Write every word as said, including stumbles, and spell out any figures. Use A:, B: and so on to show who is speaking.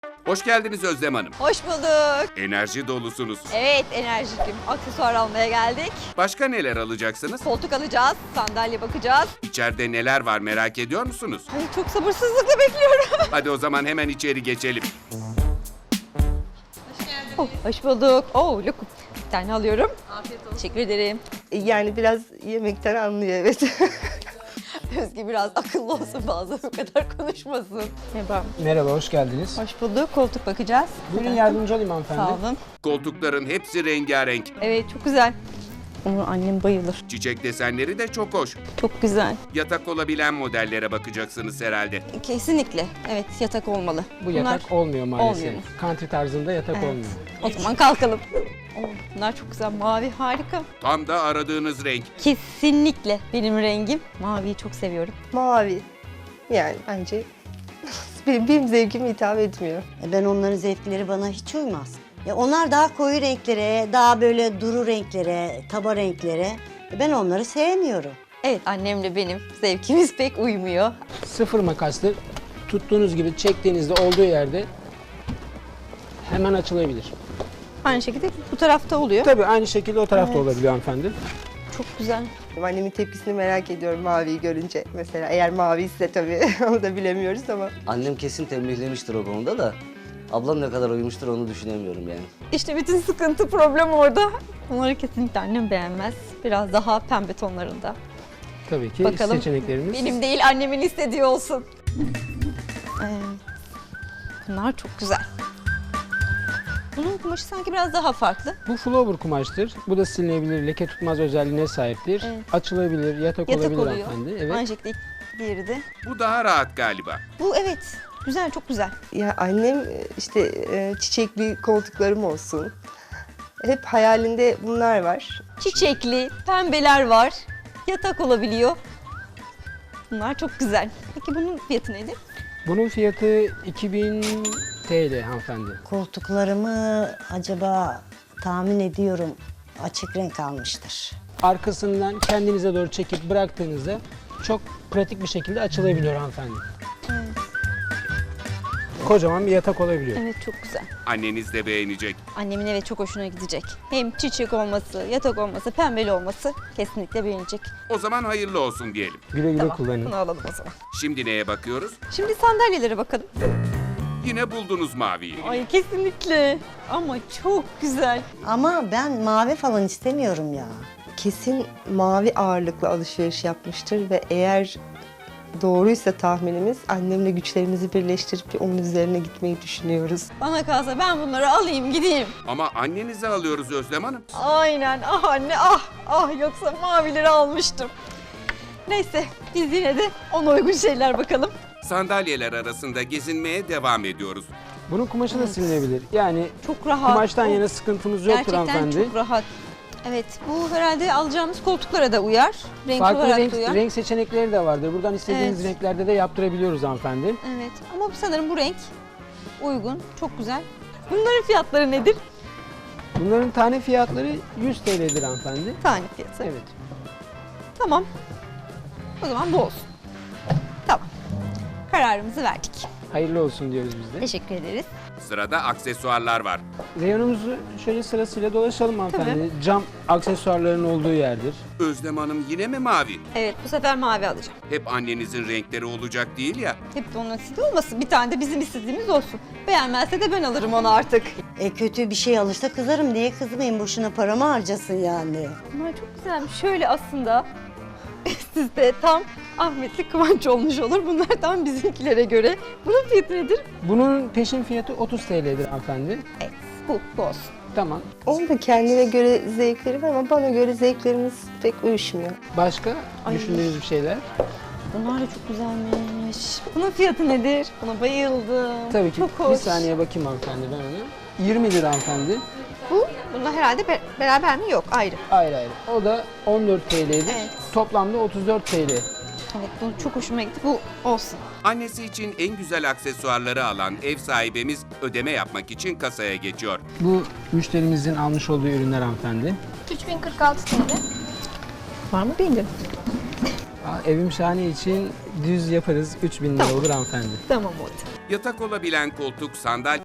A: Hoş geldiniz Özlem Hanım.
B: Hoş bulduk.
A: Enerji dolusunuz.
B: Evet, enerjikim. Aksesuar almaya geldik.
A: Başka neler alacaksınız?
B: Koltuk alacağız, sandalye bakacağız.
A: İçeride neler var merak ediyor musunuz?
B: Ay çok sabırsızlıkla bekliyorum.
A: Hadi o zaman hemen içeri geçelim.
B: Oh, hoş bulduk. Oh, lokum. Bir tane alıyorum. Afiyet olsun. Teşekkür ederim.
C: Yani biraz yemekten anlıyor, evet.
B: Özge biraz akıllı olsun, bazen bu kadar konuşmasın. Merhaba.
D: Merhaba, hoş geldiniz.
B: Hoş bulduk. Koltuk bakacağız.
D: Buyurun yardımcı olayım hanımefendi.
B: Sağ olun.
A: Koltukların hepsi rengarenk.
B: Evet, çok güzel. Onu annem bayılır.
A: Çiçek desenleri de çok hoş.
B: Çok güzel.
A: Yatak olabilen modellere bakacaksınız herhalde.
B: Kesinlikle. Evet, yatak olmalı.
D: Bu yatak olmuyor maalesef.
B: olmuyor mu?
D: Country tarzında yatak
B: Evet.
D: olmuyor.
B: O zaman kalkalım. Oh, bunlar çok güzel. Mavi harika.
A: Tam da aradığınız renk.
B: Kesinlikle benim rengim. Maviyi çok seviyorum.
C: Mavi. Yani bence benim, benim zevkime hitap etmiyor.
E: E, Ben onların zevkleri bana hiç uymaz. Ya onlar daha koyu renklere, daha böyle duru renklere, taba renklere. E, Ben onları sevmiyorum.
B: Evet, annemle benim zevkimiz pek uymuyor.
D: Sıfır makaslı tuttuğunuz gibi çektiğinizde olduğu yerde hemen açılabilir.
B: Aynı şekilde bu tarafta oluyor.
D: Tabii aynı şekilde o tarafta
B: Evet.
D: olabiliyor hanımefendi.
B: Çok güzel.
C: Annemin tepkisini merak ediyorum maviyi görünce. Mesela eğer mavi ise tabii onu da bilemiyoruz ama.
F: Annem kesin tembihlemiştir o konuda da ablam ne kadar uymuştur onu düşünemiyorum yani.
B: İşte bütün sıkıntı, problem orada. Onları kesinlikle annem beğenmez. Biraz daha pembe tonlarında.
D: Tabii ki
B: Bakalım.
D: seçeneklerimiz.
B: Benim değil, annemin istediği olsun. Ee, bunlar çok güzel. Bunun kumaşı sanki biraz daha farklı.
D: Bu flower kumaştır. Bu da silinebilir, leke tutmaz özelliğine sahiptir.
B: Evet.
D: Açılabilir, yatak,
B: Yatak
D: olabilir
B: oluyor.
D: hanımefendi. Evet.
B: Aynı şekilde diğeri de.
A: Bu daha rahat galiba.
B: Bu evet, güzel, çok güzel.
C: Ya annem işte e, çiçekli koltuklarım olsun. Hep hayalinde bunlar var.
B: Çiçekli, pembeler var. Yatak olabiliyor. Bunlar çok güzel. Peki bunun fiyatı nedir?
D: Bunun fiyatı iki bin T L hanımefendi.
E: Koltuklarımı acaba tahmin ediyorum açık renk almıştır.
D: Arkasından kendinize doğru çekip bıraktığınızda çok pratik bir şekilde açılabiliyor hanımefendi. Kocaman bir yatak olabiliyor.
B: Evet, çok güzel.
A: Anneniz de beğenecek.
B: Annemin evet çok hoşuna gidecek. Hem çiçek olması, yatak olması, pembeli olması kesinlikle beğenecek.
A: O zaman hayırlı olsun diyelim.
D: Güle güle
B: Tamam,
D: kullanın.
B: bunu alalım o zaman.
A: Şimdi neye bakıyoruz?
B: Şimdi sandalyelere bakalım.
A: Yine buldunuz maviyi.
B: Ay kesinlikle. Ama çok güzel.
E: Ama ben mavi falan istemiyorum ya.
C: Kesin mavi ağırlıklı alışveriş yapmıştır ve eğer doğruysa tahminimiz annemle güçlerimizi birleştirip onun üzerine gitmeyi düşünüyoruz.
B: Bana kalsa ben bunları alayım gideyim.
A: Ama annenizi alıyoruz Özlem Hanım.
B: Aynen, ah anne ah ah, yoksa mavileri almıştım. Neyse, biz yine de ona uygun şeyler bakalım.
A: Sandalyeler arasında gezinmeye devam ediyoruz.
D: Bunun kumaşı da silinebilir. Yani
B: Çok rahat.
D: kumaştan
B: Oh,
D: yana sıkıntımız yoktur
B: gerçekten
D: hanımefendi.
B: çok rahat. Evet, bu herhalde alacağımız koltuklara da uyar. Renk
D: Farklı
B: olarak
D: renk,
B: da uyar.
D: renk seçenekleri de vardır. Buradan istediğiniz
B: Evet.
D: renklerde de yaptırabiliyoruz hanımefendi.
B: Evet, ama sanırım bu renk uygun, çok güzel. Bunların fiyatları nedir?
D: Bunların tane fiyatları yüz T L'dir hanımefendi.
B: Tane fiyatı.
D: Evet.
B: Tamam. O zaman bu olsun. Tamam. Kararımızı verdik.
D: Hayırlı olsun diyoruz biz de.
B: Teşekkür ederiz.
A: Sırada aksesuarlar var.
D: Reyonumuzu şöyle sırasıyla dolaşalım hanımefendi. Cam aksesuarların olduğu yerdir.
A: Özlem Hanım yine mi mavi?
B: Evet, bu sefer mavi alacağım.
A: Hep annenizin renkleri olacak değil ya.
B: Hep de onun istediği olmasın. Bir tane de bizim istediğimiz olsun. Beğenmezse de ben alırım onu artık.
E: E kötü bir şey alırsa kızarım. Niye kızmayayım? Boşuna paramı harcasın yani.
B: Bunlar çok güzelmiş. Şöyle aslında sizde tam Ahmetli Kıvanç olmuş olur. Bunlar tam bizimkilere göre. Bunun fiyatı nedir?
D: Bunun peşin fiyatı otuz T L'dir hanımefendi.
B: Evet, bu, bu olsun.
D: Tamam.
C: Onun da kendine göre zevkleri var ama bana göre zevklerimiz pek uyuşmuyor.
D: Başka
B: Ay.
D: düşündüğünüz bir şeyler?
B: Bunlar da çok güzelmiş. Bunun fiyatı nedir? Buna bayıldım.
D: Tabii ki.
B: Çok hoş.
D: Bir saniye bakayım hanımefendi ben ona. yirmi lira hanımefendi.
B: Bu, bununla herhalde be- beraber mi? Yok, ayrı.
D: Ayrı ayrı. O da on dört T L'dir.
B: Evet.
D: Toplamda otuz dört T L.
B: Evet, bu çok hoşuma gitti. Bu olsun.
A: Annesi için en güzel aksesuarları alan ev sahibimiz ödeme yapmak için kasaya geçiyor.
D: Bu müşterimizin almış olduğu ürünler hanımefendi.
G: üç bin kırk altı T L.
B: Var mı bildim.
D: Aa, Evim şahane için düz yaparız. üç bin lira olur hanımefendi.
B: Tamam oldu.
A: Yatak olabilen koltuk, sandalye